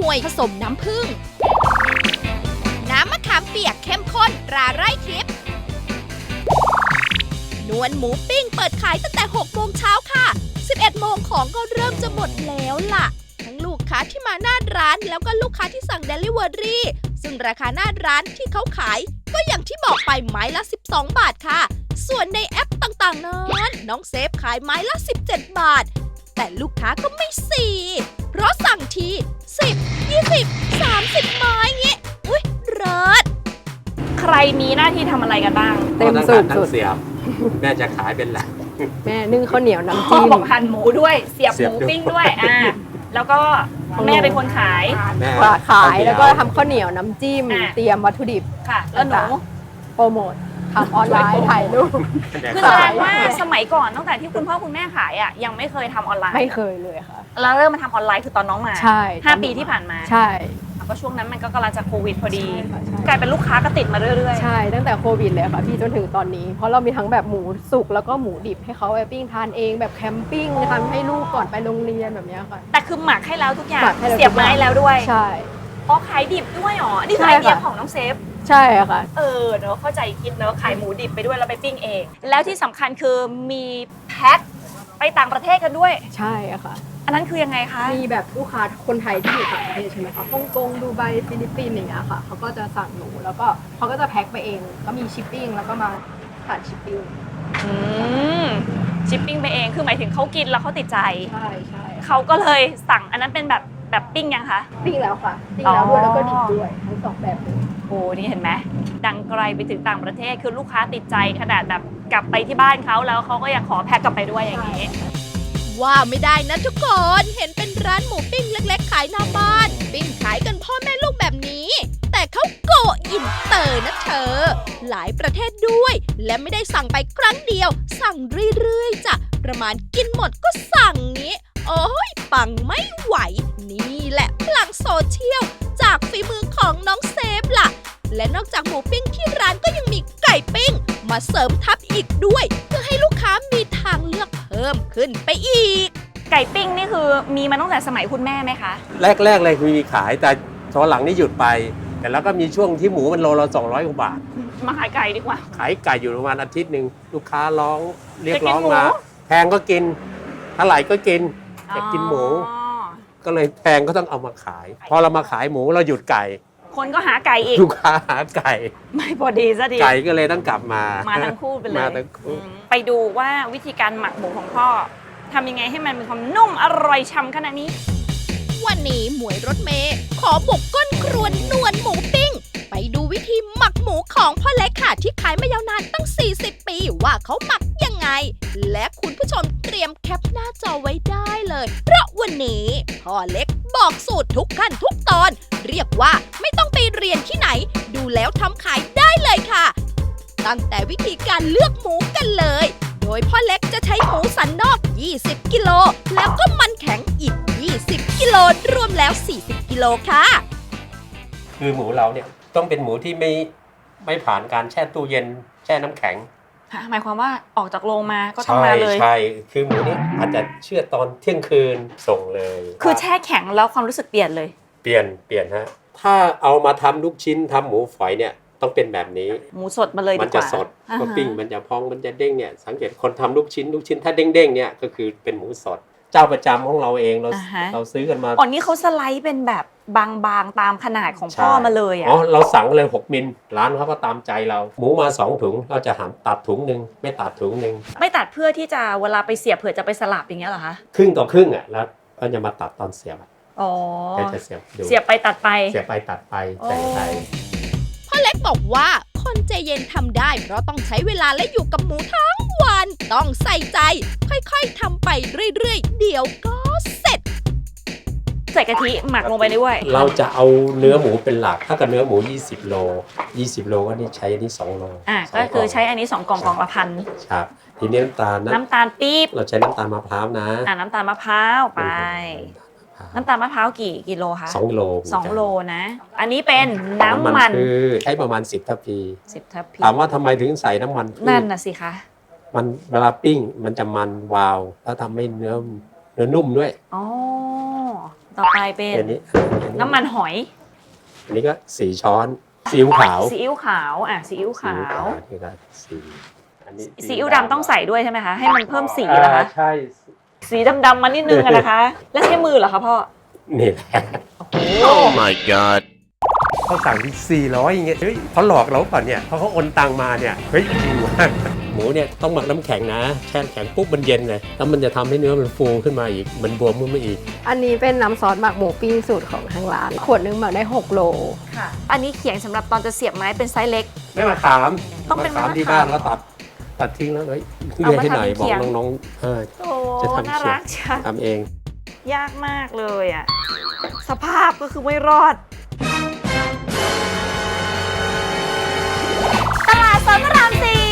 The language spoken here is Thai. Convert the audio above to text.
วยผสมน้ำผึ้งน้ำมะขามเปียกเข้มข้นตราไร่ทิพย์นวลหมูปิ้งเปิดขายตั้งแต่6 โมงเช้าค่ะ11 โมงของก็เริ่มจะหมดแล้วล่ะทั้งลูกค้าที่มาหน้าร้านแล้วก็ลูกค้าที่สั่ง Delivery ซึ่งราคาหน้าร้านที่เขาขายก็อย่างที่บอกไปไม้ละ12 บาทค่ะส่วนในแอปต่างๆนั้นน้องเซฟขายไม้ละ17 บาทแต่ลูกค้าก็ไม่เพราะสั่งที10 20 30 ไม้เงี้ยอุ๊ยเลิศใครมีหน้าที่ทำอะไรกันบ้างเต็มสูตรทั้งเสียบแม่จะขายเป็นหลักแม่นึ่งข้าวเหนียวน้ำพ่อจิ้มบอกหั่นหมูด้วยเสียบหมูปิ้งด้วยแล้วก็แม่เป็นคนขายแม่ขายแล้วก็ทำข้าวเหนียวน้ำจิ้ม เตรียมวัตถุดิบค่ะ แล้วหนูโปรโมททำออนไลน์ถ่ายรูปคือแสดงว่าสมัยก่อนตั้งแต่ที่คุณพ่อคุณแม่ขายอ่ะยังไม่เคยทำออนไลน์ไม่เคยเลยค่ะแล้วเริ่มมาทำออนไลน์คือตอนน้องมาใช่ 5 ปีที่ผ่านมาใช่ก็ช่วงนั้นมันก็กำลังจะโควิดพอดีใช่ค่ะกลายเป็นลูกค้าก็ติดมาเรื่อยใช่ตั้งแต่โควิดเลยค่ะพี่จนถึงตอนนี้เพราะเรามีทั้งแบบหมูสุกแล้วก็หมูดิบให้เขาไปปิ้งทานเองแบบแคมปิ้งทำให้ลูกก่อนไปโรงเรียนแบบเนี้ยค่ะๆ แต่คือหมักให้แล้วทุกอย่างหมักให้แล้วเสียบไม้แล้วด้วยใช่อ๋อขายดิบด้วยเหรอนี่คือใช่ไอเดียค่ะของน้องเซฟใช่ค่ะเนอะเข้าใจคิดเนอะขายหมูดิบไปด้วยแล้วไปปิ้งเอง แล้วที่สำคัญคือมีแพ็คไปต่างประเทศกันด้วยใช่ค่ะอันนั้นคือยังไงคะมีแบบลูกค้าคนไทยที่อยู่ต่างประเทศใช่ไหมคะฮ่องกงดูไบฟิลิปปินส์อย่างเงี้ยค่ะเขาก็จะสั่งหนูแล้วก็เขาก็จะแพ็คไปเองก็มีชิปปิ้งแล้วก็มาผ่านชิปปิ้งชิปปิ้งไปเองคือหมายถึงเขากินแล้วเขาติดใจใช่ใช่เขาก็เลยสั่งอันนั้นเป็นแบบปิ้งยังคะปิ้งแล้วค่ะปิ้งแล้วด้วยอ๋อแล้วก็ดิบด้วยทั้งสองแบบเลยโอ้นี่เห็นไหมดังไกลไปถึงต่างประเทศคือลูกค้าติดใจขนาดแบบกลับไปที่บ้านเขาแล้วเขาก็ยังขอแพ็คกลับไปด้วยอย่างนี้ว่าไม่ได้นะทุกคน เห็นเป็นร้านหมูปิ้งเล็กๆขายหน้าบ้าน ปิ้งขายกันพ่อแม่ลูกแบบนี้ แต่เขาโกอินเตอร์นะเธอ หลายประเทศด้วย และไม่ได้สั่งไปครั้งเดียว สั่งเรื่อยๆจ้ะประมาณกินหมดก็สั่งนี้ โอ้ยปังไม่ไหว นี่แหละพลังโซเชียลจากฝีมือของน้องเซฟล่ะ และนอกจากหมูปิ้งที่ร้านก็ยังมีไก่ปิ้ง มาเสริมทับอีกด้วย เพื่อให้ลูกค้ามีทางเลือกเพิ่มขึ้นไปอีกไก่ปิ้งนี่คือมีมาตั้งแต่สมัยคุณแม่ไหมคะแรกเลยคือมีขายแต่ตอนหลังนี่หยุดไป แต่แล้วก็มีช่วงที่หมูมันโลละ200 กว่าบาทมาขายไก่ดีกว่าขายไก่อยู่ประมาณอาทิตย์หนึ่งลูกค้าเรียกจะกินร้องหมูมา แพงก็กินเท่าไหร่ก็กินอยากกินหมูอ๋อก็เลยแพงก็ต้องเอามาขาย พอเรามาขายหมูเราหยุดไก่คนก็หาไก่อีกลูกค้าหาไก่ไม่พอดีซะดีไก่ก็เลยต้องกลับมามาทั้งคู่ไปเลยมาทั้งคู่ไปดูว่าวิธีการหมักหมูของพ่อทำยังไงให้มันมีความนุ่มอร่อยฉ่ำขนาดนี้วันนี้หมวยรถเมย์ขอบุกก้นครวนนวลหมูปิ้ง ไปดูวิธีหมักหมูของพ่อเล็กค่ะที่ขายมายาวนานตั้ง 40 ปีว่าเขาหมักยังไง และคุณผู้ชมเตรียมแคปหน้าจอไว้ได้เลย เพราะวันนี้พ่อเล็กบอกสูตรทุกขั้นทุกตอน เรียกว่าไม่ต้องไปเรียนที่ไหน ดูแล้วทำขายได้เลยค่ะ ตั้งแต่วิธีการเลือกหมูกันเลย โดยพ่อเล็กจะใช้หมูสันนอก 20 กิโล แล้วก็มันแข็งอีก 20 กิโล รวมแล้ว 40 กิโลค่ะคือหมูเราเนี่ยต้องเป็นหมูที่ไม่ผ่านการแช่ตู้เย็นแช่น้ำแข็งหมายความว่าออกจากโรงมาก็ต้องมาเลยใช่คือหมูนี่อาจจะเชื่อดตอนเที่ยงคืนส่งเลยคือแช่แข็งแล้วความรู้สึกเปลี่ยนเลยเปลี่ยนฮะถ้าเอามาทำลูกชิ้นทำหมูฝอยเนี่ยต้องเป็นแบบนี้หมูสดมาเลยมัดีกจะว่าสดอ่าฮะก็ปิ้งมันจะพองมันจะเด้งเนี่ยสังเกตคนทำลูกชิ้นถ้าเด้งๆเนี่ยก็คือเป็นหมูสด เจ้าประจำของเราเองเราซื้อกันมาอ๋อนี่เขาสไลด์เป็นแบบบางๆตามขนาดของพ่อมาเลยอ่ะอ๋อเราสั่งเลย6 มิลร้านเขาก็ตามใจเราหมูมา2 ถุงเราจะตัดถุงหนึ่งไม่ตัดถุงหนึ่งไม่ตัดเพื่อที่จะเวลาไปเสียบเผื่อจะไปสลับอย่างเงี้ยเหรอคะครึ่งต่อครึ่งอ่ะแล้วก็จะมาตัดตอนเสียบอ๋อเดี๋ยวจะเสียบดูเสียบไปตัดไปเสียบไปตัดไปใส่ไปพ่อเล็กบอกว่าคนใจเย็นทำได้เพราะต้องใช้เวลาและอยู่กับหมูทั้งวัน ต้องใส่ใจ ค่อยๆทำไปเรื่อยๆ เดี๋ยวก็เสร็จใส่กะทิหมักลงไปด้วยเราจะเอาเนื้อหมูเป็นหลักถ้ากับเนื้อหมู20 โล20 โลก็นี่ใช้อันนี้2 โลก็คือใช้อันนี้2 กล่องละพันครับทีนี้น้ำตาลนะน้ำตาลปี๊บเราใช้น้ำตาลมะพร้าวนะน้ำตาลมะพร้าวไป น้ำตาลมะพร้าวกี่กิโลคะ 2 โล 2 โลนะ อันนี้เป็นน้ำมันคือใช้ประมาณ10 ทัพพี 10 ทัพพีถามว่าทำไมถึงใส่น้ำมันพืชนั่นน่ะสิคะมันเวลาปิ้งมันจะมันวาวแล้วทำให้เนื้อนุ่มด้วยอ๋อต่อไปเป็นอันนี้น้ำมันหอยอันนี้ก็4 ช้อนซีอิ๊วขาวซีอิ๊วขาวซีอิ๊วขาวนี่ก็อันนี้ซีอิ๊วดำต้องใส่ด้วยใช่ไหมคะให้มันเพิ่มสีเหรอคะใช่สีดำๆมานิดนึงอะนะคะ แล้วใช้มือเหรอคะพ่อนี่แหละ Oh my god. เขาสั่งที่400อย่างเงี้ยเฮ้ยเขาหลอกเราก่อนเนี่ยเพราะเขาโอนตังมาเนี่ยเฮ้ยจริงว่ะหมูเนี่ยต้องหมักน้ำแข็งนะแช่น้ำแข็งปุ๊บมันเย็นเลยแล้วมันจะทำให้เนื้อมันฟูขึ้นมาอีกมันบวมขึ้นมาอีกอันนี้เป็นน้ำซอสหมักหมูปิ้งสูตรของทางร้าน ขวดนึงหมักได้6 โลค่ะ อันนี้เขียงสำหรับตอนจะเสียบไม้เป็นไซส์เล็กไม่มาถามต้องเป็นถามมะขามที่บ้านแล้วตัดทิ้งแล้วเฮ้ยเอาเรียมานให้หน่อยทำเป็นบอกเขียงน้องๆโอ้จะทำน่าเขียรังกจังทำเองยากมากเลยอ่ะ สภาพก็คือไม่รอด ตลาดสดพระราม 4